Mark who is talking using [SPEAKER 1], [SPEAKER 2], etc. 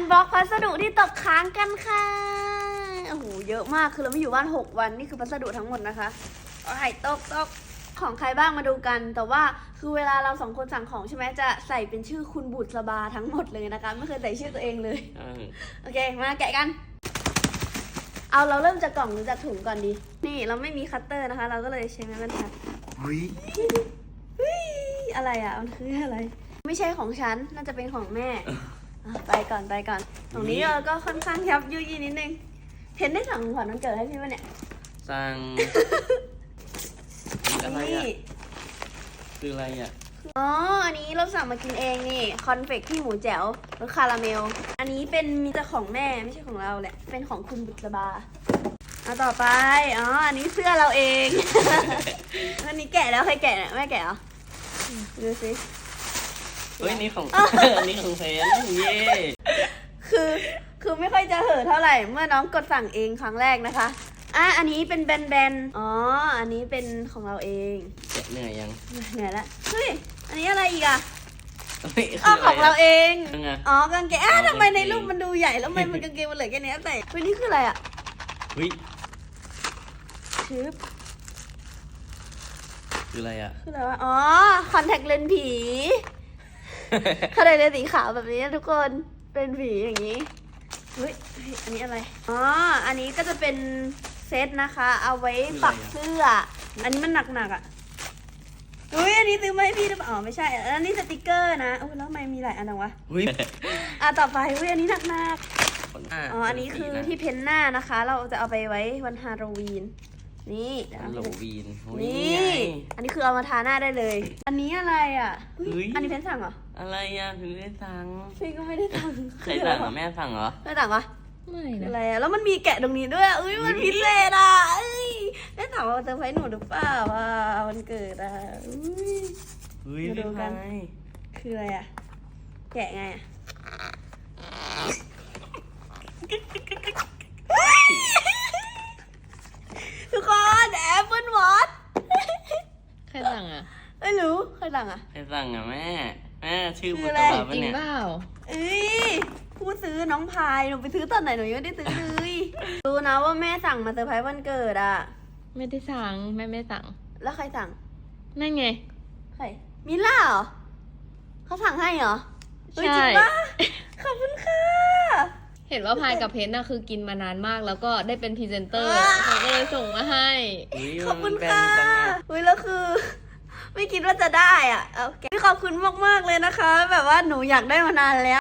[SPEAKER 1] บล็อกพัสดุที่ตกค้างกันค่ะโอ้โหเยอะมากคือเราไม่อยู่บ้าน6 วันนี่คือพัสดุทั้งหมดนะคะเอาให้ตกของใครบ้างมาดูกัน แต่ว่าคือเวลาเรา2 คนสั่งของใช่ไหมจะใส่เป็นชื่อคุณบุษบาทั้งหมดเลยนะคะไม่เคยใส่ชื่อตัวเองเลยโอเคมาแกะกันเอาเราเริ่มจากกล่องหรือจากถุงก่อนดีนี่เราไม่มีคัตเตอร์นะคะเราก็เลยใช้ไม้บรรทัดอะไรอ่ะมันคืออะไรไม่ใช่ของฉันน่าจะเป็นของแม่ไปก่อนตรงนี้เราก็ค่อนข้างยับยุยี่นิดนึงเพนได้สั่งของขวัญวันเกิดให้พี่ป่ะเนี่ย
[SPEAKER 2] สั่งอะไรอ่ะคืออะไรอ่ะ
[SPEAKER 1] อ๋ออันนี้เราสั่งมากินเองนี่คอนเฟกที่หมูแจ๋วรสคาราเมลอันนี้เป็นมีแต่ของแม่ไม่ใช่ของเราแหละเป็นของคุณบุษบาเอาต่อไปอ๋ออันนี้เสื้อเราเอง อันนี้แกะแล้วใครแกะเนี่ยแม่แกะเหรอดูสิ
[SPEAKER 2] เฮ้ยนี่ของ อันนี้ของแฟนเย่
[SPEAKER 1] คือไม่ค่อยจะเห่อเท่าไหร่เมื่อน้องกดสั่งเองครั้งแรกนะคะอันนี้เป็นแบนอ๋ออันนี้เป็นของเราเอง
[SPEAKER 2] เหนื่อยยัง
[SPEAKER 1] เหนื่อยละเฮ้ยอันนี้อะไรอีกอ่ะ
[SPEAKER 2] ข
[SPEAKER 1] องเราเอง
[SPEAKER 2] อ๋
[SPEAKER 1] อกางเกงทำไมในรูปมันดูใหญ่แล้วทำไมมันกางเกงมันเหลือแค่นี้แต่วันนี้คืออะไรอ่ะชืบ
[SPEAKER 2] คืออะไรอ่ะ
[SPEAKER 1] คืออะไรวะอ๋อคอนแทคเลนส์ผีเขาได้เลยสีขาวแบบนี้ทุกคนเป็นผีอย่างนี้เฮ้ยอันนี้อะไรอ๋ออันนี้ก็จะเป็นเซตนะคะเอาไว้ปักเสื้ออันนี้มันหนักอ่ะอุ้ยอันนี้ซื้อมาให้พี่หรือเปล่าอ๋อไม่ใช่อันนี้สติกเกอร์นะแล้วทำไมมีหลายอันจังวะต่อไปอุ้ยอันนี้หนักอ๋ออันนี้คือที่เพ้นหน้านะคะเราจะเอาไปไว้วันฮาโลวีนนี่
[SPEAKER 2] ฮาโลวีน
[SPEAKER 1] นี่อันนี้คือเอามาทาหน้าได้เลยอันนี้อะไรอ่ะอันนี้เพ้นสั่งเหรอ
[SPEAKER 2] อะไรอ่ะพี่ไม่ได้สั่ง
[SPEAKER 1] พี่ก็ไม่ได้สั่ง
[SPEAKER 2] ใครสั่งแม่สั่งเหรอ
[SPEAKER 1] ไม่สั่งปะ
[SPEAKER 3] ไม่นะ
[SPEAKER 1] อะไรอ่ะแล้วมันมีแกะตรงนี้ด้วยอุ้ยมันพิเศษอ่ะแม่ถามว่าจะไว้หนูหรือเปล่าว่าวันเกิดอ่ะ
[SPEAKER 2] มาดูกัน
[SPEAKER 1] คืออะไรอ่ะแกะไงอ่ะทุกคนแอปเปิลวอท
[SPEAKER 3] ใครสั่งอ่ะ
[SPEAKER 1] ไม่รู้ใครสั่งอ่ะ
[SPEAKER 2] ใครสั่งอ่ะแม่ชื่อบุตรบาปะ
[SPEAKER 3] จริง
[SPEAKER 2] เนี่ย
[SPEAKER 3] เปล่า
[SPEAKER 1] ผู้ซื้อน้องพายหนูไปซื้อตอนไหนหนูยังไม่ได้ซื้อเลยรู้นะว่าแม่สั่งมาเซอร์ไพรส์วันเกิดอ่ะ
[SPEAKER 3] ไม่ได้สั่งแม่ไม่สั่ง
[SPEAKER 1] แล้วใครสั่ง
[SPEAKER 3] นั่นไง
[SPEAKER 1] ใครมิล่าเหรอเขาสั่งให้เหรอ
[SPEAKER 3] ใช่
[SPEAKER 1] ขอบคุณค่ะ
[SPEAKER 3] เห็นว่าพายกับเพนน่ะคือกินมานานมากแล้วก็ได้เป็นพรีเซนเตอร์เขาก็เลยส่งมาให้
[SPEAKER 1] ขอบคุณค่ะแล้วคือไม่คิดว่าจะได้อ่ะโอเคขอบคุณมากๆเลยนะคะแบบว่าหนูอยากได้มานานแล้ว